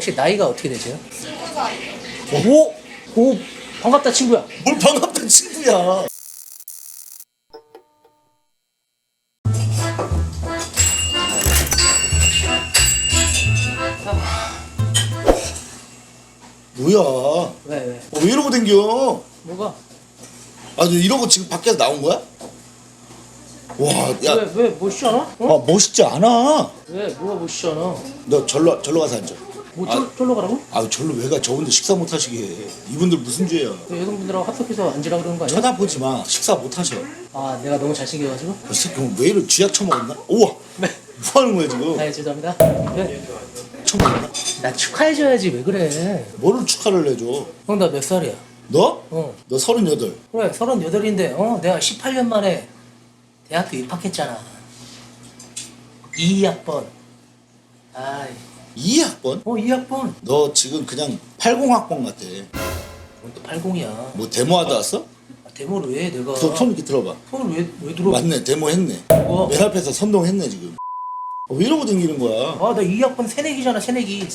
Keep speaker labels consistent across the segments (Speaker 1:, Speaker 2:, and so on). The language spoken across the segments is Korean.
Speaker 1: 혹시 나이가 어떻게 되세요?
Speaker 2: 20살.
Speaker 1: 오! 오! 반갑다 친구야.
Speaker 2: 뭘 반갑다 친구야. 뭐야?
Speaker 1: 왜?
Speaker 2: 왜 이러고 댕겨?
Speaker 1: 뭐가?
Speaker 2: 아, 너 이러고 지금 밖에서 나온 거야? 와, 야,
Speaker 1: 왜 멋있지 않아? 어?
Speaker 2: 아, 멋있지 않아.
Speaker 1: 왜? 뭐가 멋있지 않아?
Speaker 2: 너 절로 가서 앉아.
Speaker 1: 뭐 쫄러 가라고?
Speaker 2: 아, 절로 왜 가? 저분들 식사 못 하시게 해. 이분들 무슨 죄야?
Speaker 1: 왜 여성분들하고 합석해서 앉으라 그러는 거 아니야?
Speaker 2: 쳐다보지 마. 식사 못 하셔.
Speaker 1: 아 내가 너무 잘생겨가지고?
Speaker 2: 이 새끼 오늘 왜 이래? 쥐약 처먹었나? 우와,
Speaker 1: 네.
Speaker 2: 뭐 하는 거야 지금?
Speaker 1: 아 죄송합니다. 왜?
Speaker 2: 처먹었나?
Speaker 1: 나 축하해줘야지 왜 그래?
Speaker 2: 뭐를 축하를 해줘?
Speaker 1: 형 나 몇 살이야?
Speaker 2: 너?
Speaker 1: 어.
Speaker 2: 너 38.
Speaker 1: 그래 38인데 내가 18년 만에 대학교 입학했잖아. 2학번. 아이
Speaker 2: 2학번?
Speaker 1: 2학번.
Speaker 2: 너 지금 그냥 80학번 같아.
Speaker 1: 또 80이야.
Speaker 2: 뭐 데모하다 왔어?
Speaker 1: 데모를 왜 내가?
Speaker 2: 손 이렇게 들어봐.
Speaker 1: 손을 왜 들어?
Speaker 2: 맞네, 데모했네.
Speaker 1: 뭐?
Speaker 2: 맨 앞에서 선동했네 지금. 왜 이러고 댕기는 거야?
Speaker 1: 나 2학번 새내기잖아 새내기.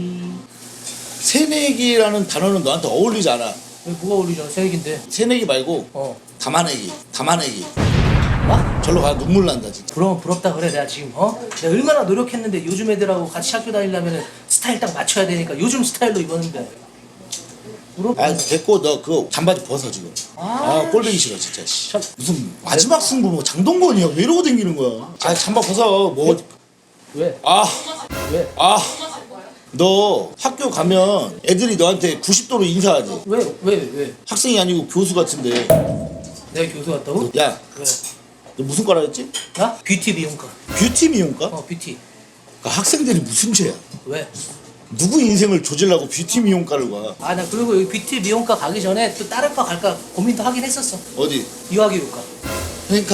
Speaker 2: 새내기라는 단어는 너한테 어울리지 않아.
Speaker 1: 왜 뭐가 어울리잖아 새내기인데.
Speaker 2: 새내기 말고 담아내기.
Speaker 1: 뭐?
Speaker 2: 절로 가. 눈물 난다 진짜.
Speaker 1: 그럼 부럽다 그래 내가 지금 내가 얼마나 노력했는데 요즘 애들하고 같이 학교 다니려면 스타일 딱 맞춰야 되니까 요즘 스타일로 입었는데 부럽다.
Speaker 2: 아, 됐고 너 그거 잠바지 벗어 지금. 꼴보기 싫어 진짜. 씨.
Speaker 1: 참.
Speaker 2: 무슨 마지막 승부 뭐 장동건이야. 왜 이러고 댕기는 거야? 아, 잠바 벗어. 뭐.
Speaker 1: 왜?
Speaker 2: 왜? 너 학교 가면 애들이 너한테 90도로 인사하지.
Speaker 1: 왜?
Speaker 2: 학생이 아니고 교수 같은데.
Speaker 1: 내가 교수 같다고?
Speaker 2: 야,
Speaker 1: 왜?
Speaker 2: 너 무슨 과라 했지?
Speaker 1: 나? 뷰티 미용과.
Speaker 2: 뷰티 미용과?
Speaker 1: 뷰티.
Speaker 2: 그러니까 학생들이 무슨 죄야?
Speaker 1: 왜?
Speaker 2: 누구 인생을 조질라고 뷰티 미용과를 가?
Speaker 1: 나 그리고 여기 뷰티 미용과 가기 전에 또 다른 과 갈까 고민도 하긴 했었어.
Speaker 2: 어디?
Speaker 1: 유아교육과.
Speaker 2: 그러니까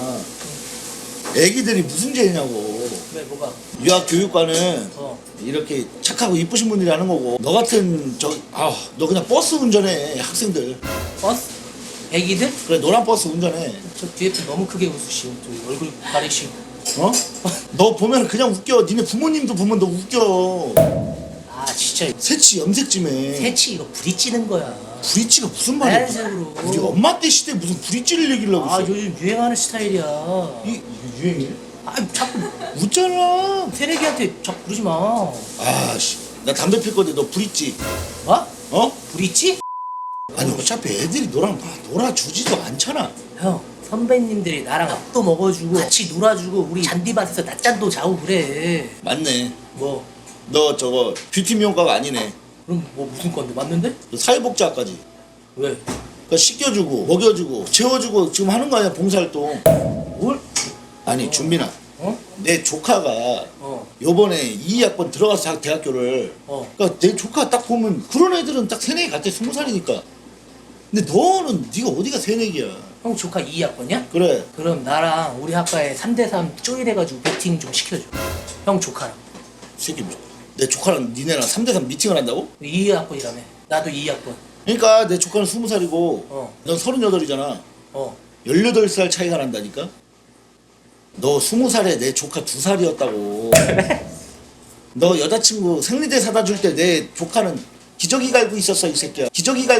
Speaker 2: 애기들이 무슨 죄냐고.
Speaker 1: 왜 뭐가?
Speaker 2: 유아교육과는 이렇게 착하고 이쁘신 분들이 하는 거고, 너 같은 너 그냥 버스 운전해. 학생들
Speaker 1: 버스? 애기들?
Speaker 2: 그래, 노란 버스 운전해.
Speaker 1: 저 뒤에 또 너무 크게 웃으시고 저 얼굴 가리시고.
Speaker 2: 너 보면 그냥 웃겨. 니네 부모님도 보면 너 웃겨.
Speaker 1: 진짜
Speaker 2: 새치 염색 좀 해.
Speaker 1: 새치 이거 부딪히는 거야.
Speaker 2: 브릿지가 무슨 말이야?
Speaker 1: 자연색으로.
Speaker 2: 우리 엄마 때 시대에 무슨 브릿지를 얘기를 하고 있어.
Speaker 1: 요즘 유행하는 스타일이야.
Speaker 2: 이게 유행이야?
Speaker 1: 자꾸
Speaker 2: 웃잖아.
Speaker 1: 새내기한테 자꾸 그러지 마.
Speaker 2: 나 담배 필 건데 너 브릿지.
Speaker 1: 뭐? 부딪지?
Speaker 2: 아니, 어차피 애들이 너랑 놀아주지도 않잖아.
Speaker 1: 형 선배님들이 나랑 밥도 먹어주고 같이 놀아주고 우리 잔디밭에서 낮잠도 자고 그래.
Speaker 2: 맞네.
Speaker 1: 뭐?
Speaker 2: 너 저거 뷰티 미용과가 아니네.
Speaker 1: 그럼 뭐 무슨 건데 맞는데?
Speaker 2: 너 사회복지학까지.
Speaker 1: 왜?
Speaker 2: 그러니까 씻겨주고 먹여주고 재워주고 지금 하는 거 아니야, 봉사활동.
Speaker 1: 뭘?
Speaker 2: 아니, 준빈아. 내 조카가 요번에 2학번 들어가서 대학교를. 그러니까 내 조카 딱 보면 그런 애들은 딱 새내기 같아. 20살이니까. 근데 너는 네가 어디가 새내기야.
Speaker 1: 형 조카 2학번이야?
Speaker 2: 그래.
Speaker 1: 그럼 나랑 우리 학과에 3대3 쪼일해가지고 미팅 좀 시켜줘. 형 조카랑.
Speaker 2: 새끼, 내 조카랑 니네랑 3대3 미팅을 한다고?
Speaker 1: 2학번이라며. 나도 2학번.
Speaker 2: 그러니까 내 조카는 20살이고 넌 38이잖아. 18살 차이가 난다니까? 너 20살에 내 조카 2살이었다고. 너 여자친구 생리대 사다 줄 때 내 조카는 기저귀 갈고 있었어, 이 새끼야.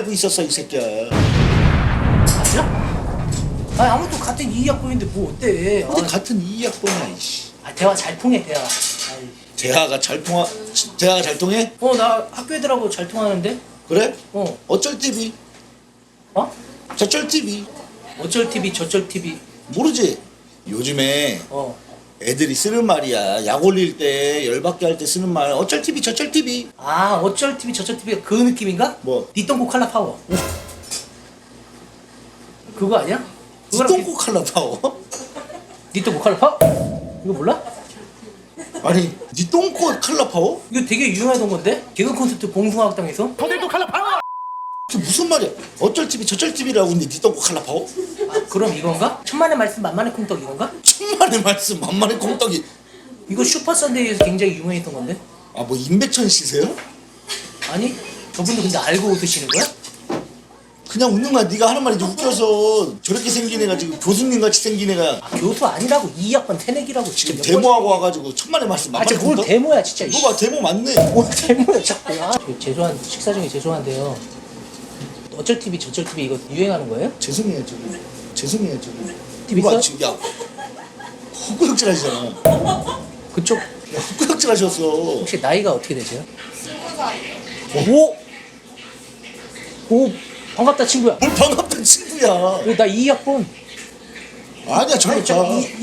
Speaker 1: 맞아? 아무튼 같은 2학번인데 뭐 어때?
Speaker 2: 어디 같은 2학번이야, 이씨.
Speaker 1: 대화 잘 통해 대화.
Speaker 2: 대화가 잘 통해?
Speaker 1: 나 학교 애들하고 잘 통하는데?
Speaker 2: 그래? 어쩔 TV? 저쩔 TV?
Speaker 1: 어쩔 TV 저쩔 TV.
Speaker 2: 모르지? 요즘에 애들이 쓰는 말이야. 약 올릴 때 열받게 할 때 쓰는 말. 어쩔 TV 저쩔 TV.
Speaker 1: 어쩔 TV 저쩔 TV가 그 느낌인가?
Speaker 2: 뭐?
Speaker 1: 니똥꼬 칼라 파워. 그거 아니야?
Speaker 2: 똥꼬 칼라 파워?
Speaker 1: 니똥꼬 칼라 파워? 이거 몰라?
Speaker 2: 아니, 니 똥꼬 칼라 파워?
Speaker 1: 이거 되게 유명하던 건데? 개그 콘서트 봉숭아학당에서?
Speaker 2: 포대도 칼라 파워! 그게 무슨 말이야? 어쩔 TV 저쩔 TV라고 했는데 니 똥꼬 칼라 파워?
Speaker 1: 그럼 이건가? 천만의 말씀 만만의 콩떡 이건가?
Speaker 2: 천만의 말씀 만만의 콩떡이.
Speaker 1: 이거 슈퍼 선데이에서 굉장히 유명했던 건데?
Speaker 2: 뭐 임백천 씨세요?
Speaker 1: 아니 저분도 근데 알고 드시는 거야?
Speaker 2: 그냥 웃는 거야. 네가 하는 말이 이제 웃겨서 저렇게 생긴 애가 지금 교수님 같이 생긴 애가
Speaker 1: 교수 아니라고 2학번 태내기라고
Speaker 2: 지금
Speaker 1: 몇
Speaker 2: 데모하고 와가지고 천만의 말씀
Speaker 1: 번... 아 진짜 뭘 데모야 진짜.
Speaker 2: 이거 봐 데모 맞네.
Speaker 1: 뭘 데모야 자꾸. 죄송한 식사 중에 죄송한데요. 어쩔 TV 저쩔 TV 이거 유행하는 거예요?
Speaker 2: 죄송해요 저기. 죄송해요 저기.
Speaker 1: TV
Speaker 2: 이거 봐,
Speaker 1: 있어요?
Speaker 2: 지금 야 헛구역질 하시잖아.
Speaker 1: 그쪽
Speaker 2: 야, 헛구역질 하셨어.
Speaker 1: 혹시 나이가 어떻게 되세요?
Speaker 3: 20살.
Speaker 1: 오! 오 반갑다 친구야.
Speaker 2: 뭘 반갑다 친구야.
Speaker 1: 나 2학번.
Speaker 2: 아니야 저기 자.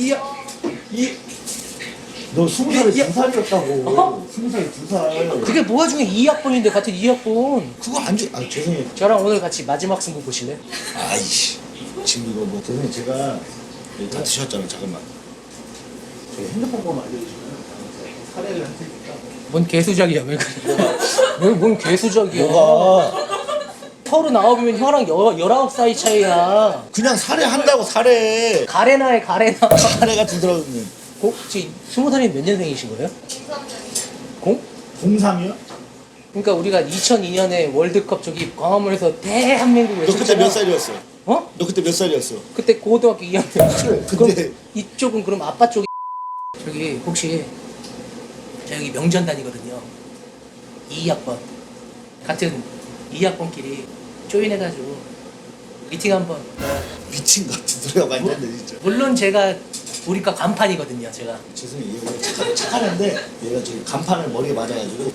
Speaker 2: 너 20살에 2살이었다고.
Speaker 1: 어?
Speaker 2: 20살에 2살.
Speaker 1: 그게 뭐가 중에 2학번인데 같은 2학번.
Speaker 2: 그거 안 줘. 아 죄송해요.
Speaker 1: 저랑 오늘 같이 마지막 승부 보실래요?
Speaker 2: 아이씨. 지금 이거 뭐 죄송해요. 제가 여기 다 드셨잖아. 잠깐만. 저희 핸드폰 번호 알려주시면 사례를 할 테니까.
Speaker 1: 뭔 개수작이야 왜 그래? 뭔 개수작이야?
Speaker 2: 뭐가?
Speaker 1: 39이면 형랑 19살 차이야.
Speaker 2: 그냥 살해한다고 살해.
Speaker 1: 가레나에 가레나.
Speaker 2: 살해 같은 들어오네.
Speaker 1: 혹시 20살이 몇 년생이신 거예요? 0?
Speaker 2: 03이요?
Speaker 1: 그러니까 우리가 2002년에 월드컵 저기 광화문에서 대한민국
Speaker 2: 너 그때
Speaker 1: 외쳤잖아.
Speaker 2: 몇 살이었어?
Speaker 1: 어?
Speaker 2: 너 그때 몇 살이었어?
Speaker 1: 그때 고등학교 2학년.
Speaker 2: 그래,
Speaker 1: 그럼
Speaker 2: 근데-
Speaker 1: 이쪽은 그럼 아빠 쪽이 저기 혹시 저 여기 명전 다니거든요. 2학번 같은 2학번끼리 조인해가지고 미팅 한번.
Speaker 2: 미친 같은 소리가 많이 나네 진짜.
Speaker 1: 물론 제가 우리과 간판이거든요. 제가.
Speaker 2: 죄송해요. 얘가 착하는데 얘가 저기 간판을 머리에 맞아가지고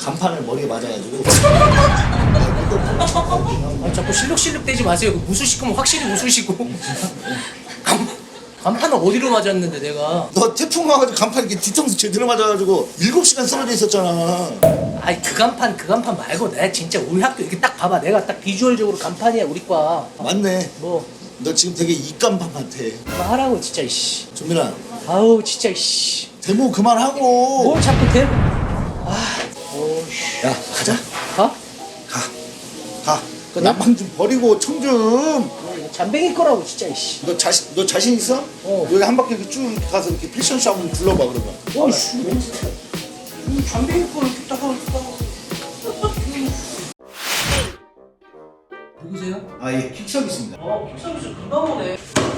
Speaker 1: 아, 자꾸 실룩실룩 대지 마세요. 그 무수시키면 확실히 무수시고. 간판을 어디로 맞았는데 내가.
Speaker 2: 너 태풍 와가지고 간판 이렇게 뒤통수 제대로 맞아가지고 7시간 쓰러져 있었잖아.
Speaker 1: 아니 그 간판 말고 내가 진짜 우리 학교 이렇게 딱 봐봐. 내가 딱 비주얼적으로 간판이야 우리과.
Speaker 2: 맞네.
Speaker 1: 뭐
Speaker 2: 너 지금 되게 이간판 같아.
Speaker 1: 하라고 진짜 이씨.
Speaker 2: 준민아
Speaker 1: 아우 진짜 이씨.
Speaker 2: 데모 그만하고.
Speaker 1: 뭘 자꾸 대. 아. 오씨.
Speaker 2: 야 가자.
Speaker 1: 가?
Speaker 2: 가. 그 난방 좀 버리고 청 좀.
Speaker 1: 잠뱅이 거라고 진짜 이씨.
Speaker 2: 너 자신 있어?
Speaker 1: 어.
Speaker 2: 여기 한 바퀴 이렇게 쭉 가서 이렇게 패션쇼 한번 둘러봐 그러면.
Speaker 1: 오씨. 잠뱅이 거 이렇게 딱 하고. 누구세요?
Speaker 2: 아 예, 킥석 있습니다.
Speaker 1: 킥서비스 금방 오네.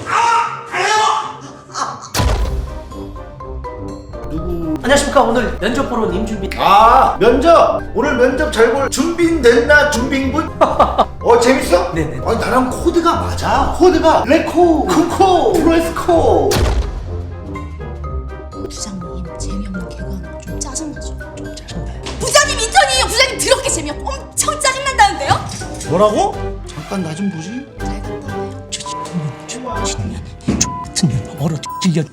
Speaker 2: 누구?
Speaker 1: 안녕하십니까. 오늘 면접 보러 님 준비.
Speaker 2: 아 면접. 오늘 면접 잘 볼 준비됐나 준비군? 재밌어?
Speaker 1: 네네.
Speaker 2: 아니 나랑 코드가 맞아. 코드가 레코, 쿠코, 프레스코.
Speaker 3: 부장님 재미없는 개그하는 좀 짜증나죠?
Speaker 1: 좀 짜증나요.
Speaker 3: 부장님 인턴이에요. 부장님 더럽게 재미없고 엄청 짜증난다는데요?
Speaker 2: 뭐라고? 잠깐 나 좀 보지.
Speaker 3: 잘 갔다 와요.
Speaker 1: 같은 년 얼어 뒤질려.